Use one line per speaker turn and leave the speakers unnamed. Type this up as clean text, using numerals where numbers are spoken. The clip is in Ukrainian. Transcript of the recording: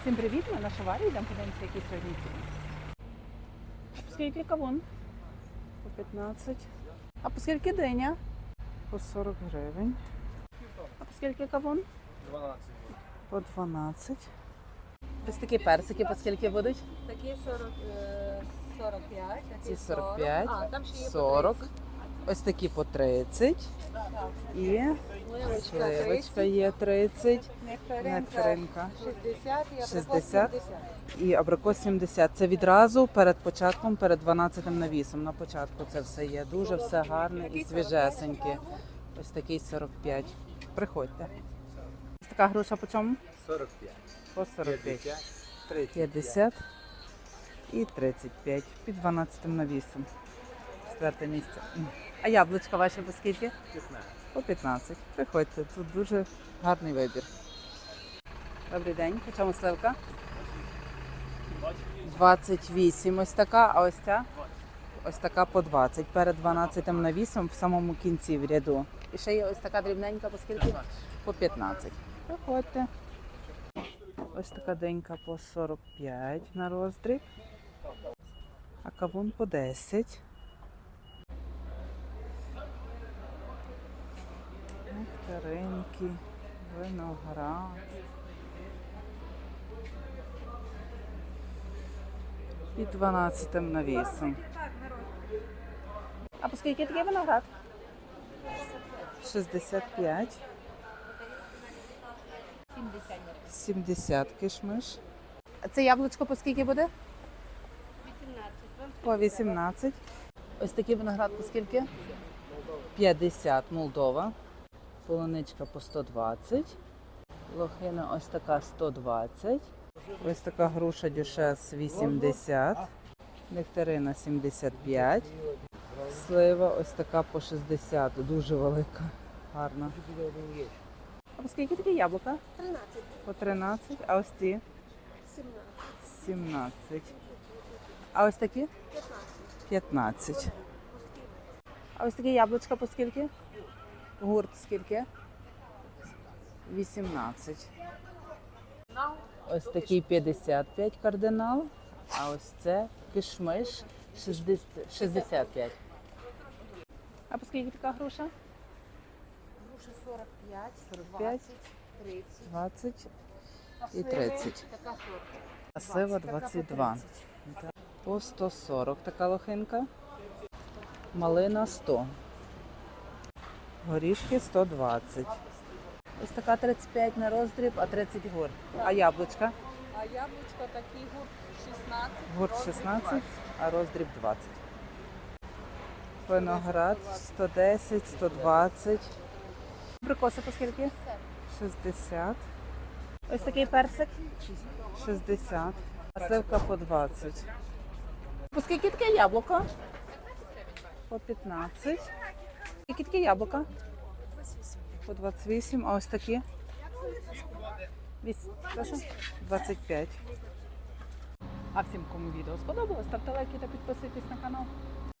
Всім привіт, ми на Шаварі, йдемо подивимося, які сьогодні ціни. По скільки кавун? По 15. А по скільки диня? По 40 гривень. А по скільки кавун?
12.
По 12. Ось такі персики по скільки будуть?
Такі 45,
Ці
такі
45,
А, там ще є
40. Ось такі по 30. І сливочка є 30. Нектаринка
60 і
60. І абрикос 70. Це відразу перед початком, перед 12-м навісом. На початку це все є. Дуже все гарне і свіжесеньке. Ось такий 45. Приходьте. Ось така груша по чому?
45.
По 45.
30.
50 і 35. Під 12-м навісом. Четверте місце. А яблучка ваші по скільки?
15.
По 15. Приходьте, тут дуже гарний вибір. Добрий день. По чому сливка? 28 ось така, а ось ця? Ось така по 20. Перед 12-м навісом в самому кінці в ряду. І ще є ось така дрібненька по скільки? По 15. Приходьте. Ось така денька по 45 на роздріб. А кавун по 10. Нектаринки, виноград. Під 12-м навісом. А по скільки такий виноград? 65. 70 кишмиш. А це яблучко по скільки буде?
18.
По 18. Ось такий виноград по скільки? 50 Молдова. Полуничка по 120. Лохина ось така 120. Ось така груша дюшес 80. Нектарина 75. Слива ось така по 60. Дуже велика. Гарна. А по скільки такі яблука?
13.
По 13. А ось ці?
17.
17. А ось такі?
15.
15. А ось такі яблучка по скільки? Гурт скільки? 18. Ось такий 55 кардинал. А ось це кишмиш 65. А по скільки така груша?
Груша 45,
45,
20, 30.
20 і 30.
Така 40.
А слива 22. По 140 така лохинка. Малина 100. Горішки 120. Ось така 35 на роздріб, а 30 гурт. А яблучка?
А яблучко такий гурт 16.
Гурт 16, а роздріб 20. Виноград 110, 120. Абрикоси по скільки? 60. Ось такий персик 60. А сливка по 20. По скільки таке яблуко? По 15. Скільки таке яблука? По 28. А ось такі? 25. А всім, кому відео сподобалось, ставте лайки та підписуйтесь на канал.